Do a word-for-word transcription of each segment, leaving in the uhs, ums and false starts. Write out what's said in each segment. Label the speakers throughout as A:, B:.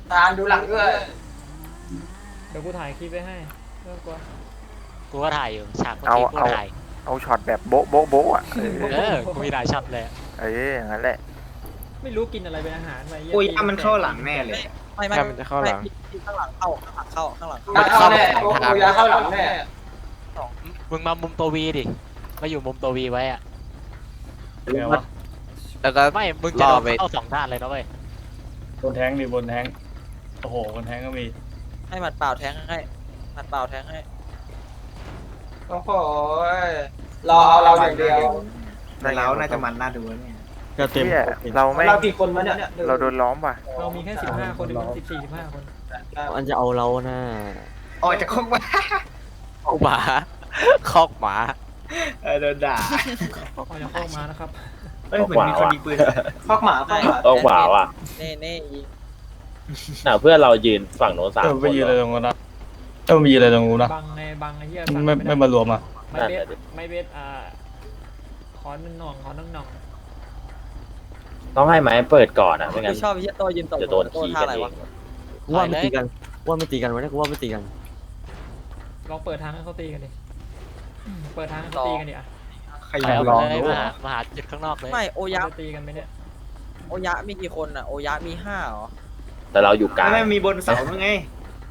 A: ทานดูหลังด้วย
B: เดี๋ยวกูถ่ายคลิปไว้ให้เรื่องกลัว
C: กูก็ถ่ายอยู่ฉากเมื่อ
D: เอา
C: กี้กู
D: เอา
C: ถ่าย
D: เอาช็อตแบบโบ๊ะโบ๊ะโบ๊ะอ่ะ
C: เออกูมีหลายช็อตเลย
D: เอออย่างนั้นแหละ
B: ไม่รู้กินอะไรเป็นอาหารไป
E: โอ้ยถ้ามันเข้าหลังแน่เลย
F: ไม่ไม่
G: มันจะเข้าหลัง
F: ข้างหลังเข้าข้างหลังเข้าข้างหลัง
A: มันเข้าแน่โอ้ยาเข้าหลังแน่
C: มึงมามุมตัววีดิมาอยู่มุมตัววีไว้อะ
G: ไงวะแล้วก็
C: ไม่มึงจะโด
G: รอน ไป
C: เข้าสองด้านเลยนะเว้ย
H: บนแทงดิบนแทงโอ้โหบนแทงก็มี
F: ให้หมัดเปล่าแทงให้หมัดเปล่าแทงให้
A: โอ้โหรอเอาเราอย่างเดียว
E: แต่เราน่าจะมันน่าดูเนี่ย
H: ก็เต็ม
D: เนี่ยเราไม่
A: เรากี่คนวะเนี่ย
D: เราโดนล้อมว่ะ
B: เรามีแค่สิบห้าคนหรือสิบสี่สิบห้าคน
G: มันจะเอาเราหน้า
E: ออกจากคุกมา
G: คอกหมาคอกหมา
E: เออโดนด่า
B: เอาอย่าเข้ามานะครับ
E: เอ้ยเหมือนมีคนยิงปืน
A: พอกหมาพอกหมา
I: ต้องขวาว่ะ
F: เน่เน่ยิง
I: น่ะเพื่อนเรายืนฝั่งโน้นสาม
H: เออ
I: ค
H: ไป
I: น
H: ยืนอะไรตรงนั้นนะเออไปยืนอะไรตรงนู้นนะ
B: บังในบังไอ้เหี้ย
H: ไม่ไม่มารวมอ่ะ
B: ไม่เบสไม่เบสอ่าขอหนึ่งหน่องขอหนึ่งหน่อง
I: ต้องให้ไม้เปิดก่อนอ่ะไม่งั้น
F: ชอบไอ้เหี้ยโตยืนตก
I: จะโดนขี่
F: ท่า
I: กัน
F: อะไร
I: เอ
F: วะ
I: ง
G: ว่าไม่ตีกันว่าไม่ตีกันวะเนี่ยกูว่าไม่ตีกัน
B: ลองเปิดทางให้เขาตีกันดิเปิดทางให้เขาตีกันดิอ่ะ
E: ใคร
C: ไป
E: ยิง
C: เอา
E: ลอง
C: เลย
E: ดู
C: มาหามาหาจุดข้างนอกเลย
F: ไม่โอยะ
B: จะตีกันไหมเนี่ย
F: โอยะมีกี่คนอ่ะโอยะมีห้าเหรอ
I: แต่เราอยู่กลาง
E: ไม่มีบนเสาด้วยไง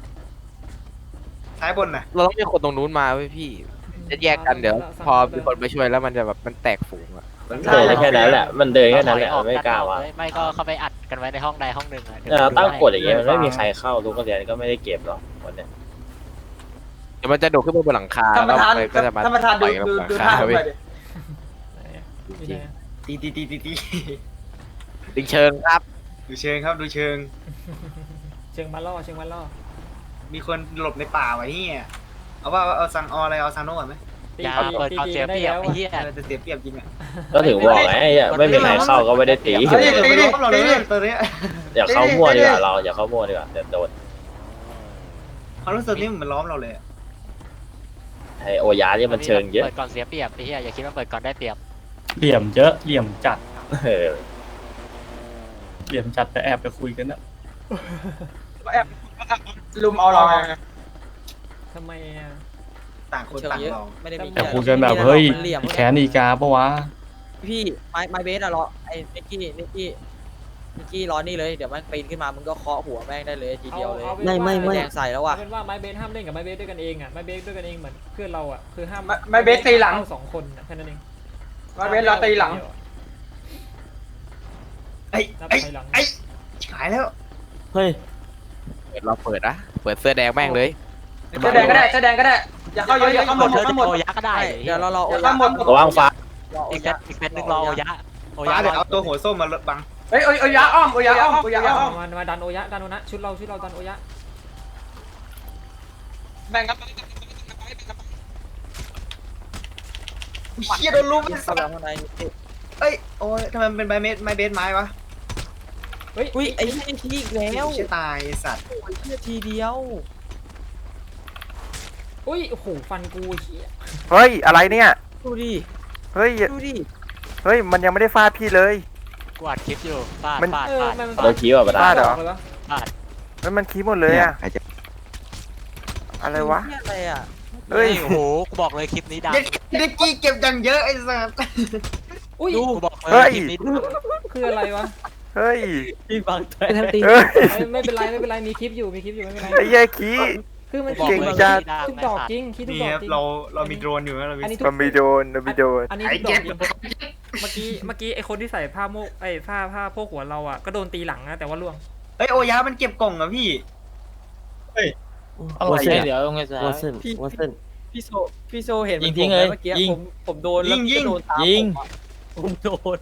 E: ซ้ายบนน่ะ
G: เราต้องมีคนตรงนู้นมาเว้ยพี่จะแยกกันเดี๋ยว พอมีคนไปช่วยแล้วมันจะแบบมันแตกฝูงอะ
I: มันเดินได้แค่นั้นแหละ มันเดินแค่นั้นแหละ
C: ถอยออ
I: ไม่กล้าว่ะ
C: นอกเลยไม่ก็เข้าไปอัดกันไว้ในห้องใดห้องหนึ่งอะ
I: เนี่ยเราตั้งกฎอย่างเงี้ยมันไม่มีใครเข้าทุกคนเรียนก็ไม่ได้เก็บหรอกวันเนี้ย
G: เดี๋ยวมันจะโดดขึ้นไปบนหลังคา
A: ท่าน
G: แล้
A: ป
G: ว
A: ระธาน
G: มันก็จะมา
A: ท่านประธานดู
G: ต่อยกันบ
A: ดู
G: นหลัง
A: ดู
G: คา
A: ท่า
G: เว้ย
A: ไปดิ
B: ไหนอะอยู่ไหนอะ
E: ตีตีตีตีตี
G: ดึงเชิงครับ
E: ดูเชิงครับดูเชิง
B: เชิงมาล่อเชิงมาล่อ
E: มีคนหลบในป่าไว้เฮียเอาว่าเอาซังเอาอะไรเอาซานโน่ก่อนไหม
B: ตี
C: อย่า
B: ตี
C: เปิด
B: ตี
C: ความ
B: ตี
C: เสีย
B: ได้
C: เปรียบ
B: แล้ว
C: ไอ้
B: อะ
C: เหี้ย
E: เออจะเสียเปรียบจริงอ่ะ
I: ก็ถึงบอกไงอย่าไม่มีใครเข้าก็ไม่ได้ตี
E: เฮ้ยตีดิเราเลยตอนนี้
I: อย่าเข้ามั่วดีกว่าเราอย่าเข้ามั่วดีกว่าเดี๋ยวโดน
E: เขารู้สึกนี่เหมือนล้อมเราเลย
I: ไอโอยาเนี่ยมันเชิงเยอะ
C: เปิดก่อนเสียเปรียบไอ้เหี้ยอย่าคิดว่าเปิดก่อนได้เปรียบ
H: เหลี่ยมเยอะเหลี่ยมจัด
I: เออ
H: เหลี่ยมจัดแต่แอบไปคุยกันนะ
A: ลุมเอาเราไง
B: ทำไมอะ
E: ต่างคน
F: เชิง
E: ต่าง
F: เยอะ
E: ลอง
F: ไม่ได้มี
H: แต่คุยกันแบบเฮ้ย
F: มันเหลี่ยม
H: แขนอีกาปะวะ
F: พี่ไม้ไม้เบสอะรอไอ้นิกกี้นิกกี้นิกกี้รอนี่เลยเดี๋ยวมันปีนขึ้นมามึงก็เคาะหัวแม่งได้เลยทีเดียวเลย
B: อาอาเป็นว่า
F: แดงใส่แล้วว่ะ
B: เอาเป็นว่าไม้เบสห้ามเล่นกับไม้เบสด้วยกันเองอ่ะไม้เบสด้วยกันเองเหมือนเพื่อนเราอ่ะคือห้าม
A: ไม่ไม่เบสตีหลัง
B: เข้าสองคนอะแค่นั้นเอง
A: ไม้เบสเราตีหลัง
E: ไอ้
B: นับ
E: ไอ้
B: ถอยหลัง
E: ไอ้ขายแล้ว
G: เฮ้ยเราเปิดนะเปิดเสื้อแดงแม่งเลย
A: แสดงก็ได้แสดงก็ได้อย่าเข้าเยอะอย่าเข้าหมด
C: เธอ
A: เข้า
C: จะ
A: หมด
C: โอยะก็ได้
F: เดี๋ยวเรารอโอ
A: อย่า
F: ยั
A: เข้าหมด
I: ระวังฟ้า
F: รอโอ
C: อีก
F: ยั
C: เป็นอีกเป็นหนึ่งรอโอยะโอยะ
E: ฟ้าเดี๋ยวเอาตัวหัวส้มมาบัง
A: เฮ้ยโอ้ยยาอ้อมโอ้ยยาอ้อมโอ้ยยาอ้อม
B: มามาดันโอยะดันโอนะชุดเราชุดเราดันโอยะ
A: แบ่งกัน
E: เชี่ยโดนลุม
F: เข้าไปข้างใน
E: เอ้ยโอ้ยทำไมมันเป็นใบเม็ดไม้เบสไม้วะ
B: เฮ้ย
F: อุ้ยไอ้เหี้ยทีอีกแล้ว
E: เชี่ยตายสัตว์
F: โอ้ยเหี้ยทีเดียว
B: อุ้ยโอ้โหฟันกูเหี้ย
D: เฮ้ยอะไรเนี่ย
F: ดูดิ
D: เฮ้ย
F: ดูดิ
D: เฮ้ยมันยังไม่ได้ฟาดพี่เลย
C: กูอัดคลิปอยู่ฟาด
D: มัน
C: ฟาด
B: เออ
C: ฟาด
B: มัน
I: เราคิดว่าประธาน
D: เหรอ
B: เลยวะ
C: ฟาด
D: เฮ้ยมันคีบหมดเลยอะ
G: ใครจะ
D: อะไรวะ
F: เหี้ยอะไรอ่ะ
D: เฮ้ย
C: โอ้โหกูบอกเลยคลิปนี้ดัง
E: เด็กเด็กกี้เก็บอย่างเยอะไอ้สัตว์
B: อุ้ย
C: ดูกูบอกเล
D: เฮ้
C: ย
D: ย
C: คลิปนี้ดัง
B: คืออะไรวะ
D: เฮ้ย
F: พี่บังแทนตี
D: เฮ้ย
B: เอ้ยไม่เป็นไรไม่เป็นไรมีคลิปอยู่มีคลิปอยู่ไม่เป็นไร
D: ไอ้เหี้ยคี
B: คือมัน
C: กูบอก
D: เก่ง
C: เลย
D: จัด
C: คลิปนี้ดัง
B: ทุก
C: ไอ้
B: ดอก
C: สัตว์
B: จริงคลิปทุก
E: นี่
B: ดอก
E: ครับ
B: จริง
E: เราเรามีโดรนอยู่นะเรามี
B: อันนี้ทุก
D: มันมีโดนมันมีโดน
B: อันนี้
E: ไอ้
B: ทุกด
E: เก็
B: อบ กจริงเมื่อกี้เมื่อกี้ไอคนที่ใส่ผ้าโมกไอยผ้าผ้าโพกหัวเราอ่ะก็โดนตีหลังนะแต่ว่าล่วง
E: เฮ้ยโอยามันเก็บกล่องอะพี่
H: อะไร
G: เส้น
H: เนี่ย
G: เดี๋ยวตรงไงซะว่าเส้นว่าเส้น
F: พี่โซพี่โซเห็น
G: ยิงทิ้งเลย
F: เมื่อกี้
G: ยิง
F: ผมผมโดนแล้ว
E: ยิงยิง
F: โดนตาม
G: ยิง
F: ผมโดน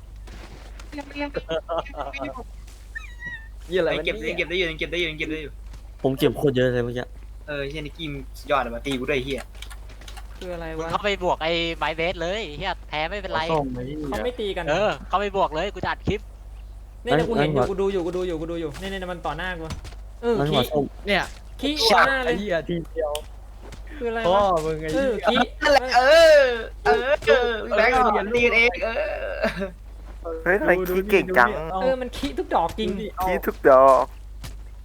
F: ยี่อะไร
E: ไอ้
F: วะ
E: เก็บ
F: เนี่ย
E: เก็บได้อยู่เก็บได้อยู่เก็บได้อยู่
G: ผมเก็บโคตรเยอะเลยเมื่อกี้
E: เออเฮียนิกกี้มสุดยอดเลยว่ะตีกูด้วยเฮีย
B: คืออะไร
C: มึง
B: วะ
C: เข้าไปบวกไอ้ไม้เบสเลยเฮียแพ้ไม่เป็นไร
H: ส้มไอ้
B: เขาไม่ตีกัน
C: เออ เข้าไปบวกเลยกูจะอัดคลิป
B: เนี่ยเนี่ยกูเห็นอยู่กูดูอยู่กูดูอยู่กูดูอยู่เนี่ยเนี่ยมันต่อหน้ากูเออ
G: นั่นหั
B: ขี้
G: วส้ม
F: เนี่ย
B: ขี้ต่อหน้าเลย
F: ไอ้เหี้ยทีเดียว
B: คืออะไร
F: พ่อ
B: วะ
F: มึงไอ้
B: เอ
F: เหี้
B: อย ขี้
E: นั่นแหละเออเออเออแบงค์ตีเองเออ
D: เฮ้ยทำไมคีเก่งจัง
B: เออมันขี้ทุกดอกจริง
D: คีทุกดอก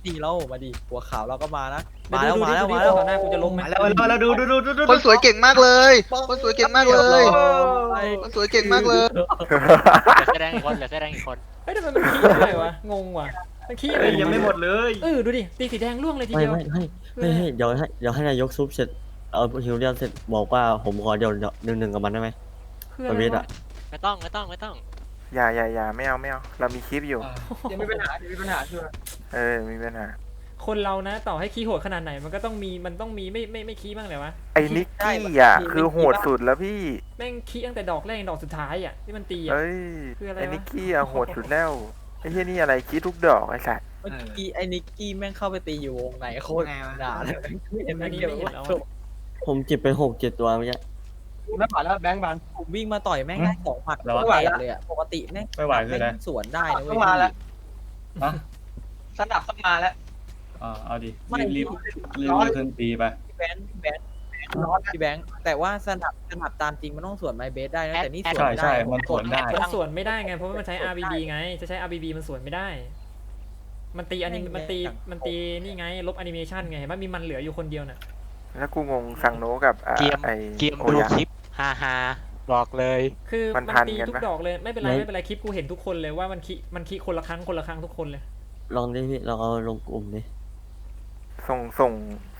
F: ดีแล้วมาดิหัวขาวเราก็มานะ
B: เดี๋
F: มา
B: ยว
F: แล้ว
B: ดู
F: มา
B: ดิ
F: แล้ว
B: ดูดิ
F: มาแล้ว
B: ต่อหน้ากูจะล้มไหม
E: มาแล้วมาแล้วมาแล้วดูดูดูดูดู
J: คนสวยเก่งมากเลย คนสวยเก่งมากเลย คนสวยเก่งมากเลย
C: เหลือแค่แดงอีกคนเหลือแค่แดงอีกคน
B: เฮ้ยทำไมมันขี้อะไรวะงงว่ะมันขี้อะไร
E: เฮ้ยยังไม่หมดเลย
B: เออดูดิตีสีแดงร่วงเลยที
K: ไม่
B: เดียว
K: ไม่ให้ให้ให้เดี๋ยวให้เดี๋ยวให้นายกซุปเสร็จเอาฮิวเลียนเสร็จบอกว่าผมขอเดี๋ยวหนึ่งหนึ่งกับมันได้ไหม
B: คือ
K: ป
B: อะ
K: ระ
B: ไร
K: เวท
B: วะ
K: อะ
C: ไม่ต้องไม่ต้องไม่ต้อง
D: อย่าอย่าอย่าไม่เอาไม่เอาเรามีคลิปอยู่
A: ยังมีปัญหายังมีปัญหาใช่ไหม
D: เออมีปัญหา
B: คนเรานะต่อให้ขี้โหดขนาดไหนมันก็ต้องมีมันต้องมีไม่ไม่ไม่ขี้บ้างเลยวะ
D: ไอ้นิกกี้อ่ะคือโหดสุดแล้วพี่
B: แม่งขี้ตั้งแต่ดอกแรกดอกสุดท้ายอ่ะที่มันตีอ่ะ
D: เอ้ย
B: คืออะไรวะ
D: ไอ้นิกกี้อ่ะโหดสุดแล้วไอ้เหี้ยนี่อะไรคิดทุกดอกไอ้สัตว์
F: เมื่อกี้ไอ้นิกกี้แม่งเข้าไปตีอยู่วงไหนโคตรด่าเลยเห็นไหมเดี๋ยว
K: ผมเจ็บไปหกเจ็ดตัวเมื่อกี้
A: ไม่ผ่านแล้วแบงค์บาน
F: ผมวิ่งมาต่อยแม่งได้สองหมัด
H: แล้ว
F: แตกเลยอ่ะปกติแม่ง
H: ไม่ไหวคืออะไร
F: แม่งสวนได้นะเว้
A: เข้าย มาแล้ว
H: ฮะ
A: สนับเข้ามาแล้ว
H: อ่าเอาดิ
F: ไม่
H: รีบรีบรีบรีบขึ้นตีไป
F: พี่แบงค์พี่แบงค์พี่แบงค์แต่ว่าสนับสนับตามจริงมันต้องสวนไมเบสได้นะแต่นี่สวน
H: ใช่
F: ไม่ได้
H: ใช่มันสวนได้
B: มันสวนไม่ได้ไงเพราะว่ามันใช้ อาร์ บี บี ไงจะใช้ อาร์ บี บี มันสวนไม่ได้ มันตีอันนี้มันตีมันตีนี่ไงลบแอนิเมชันไงเห็นไหมมีมันเหลืออยู่คนเดียวน่ะ
D: แล้วกูงงซังโนกับอ่ะ
C: เกม
D: ไอ้
C: เกม
D: โอ
C: ดู
D: ยะ
C: คลิปฮาฮาบอกเลย
B: คือ
D: มั
B: มัน
D: นทัน
B: ตี
D: กัน
B: ทุก
D: ปะ
B: ดอกเลยไม่เป็นไรไม่เป็นไรคลิปกูเห็นทุกคนเลยว่ามันคิมันคิคนละครั้งคนละครั้งทุกคนเลย
K: ลองดิพี่ลองเอาลงกลุ่มดิ
D: ส่งส่ง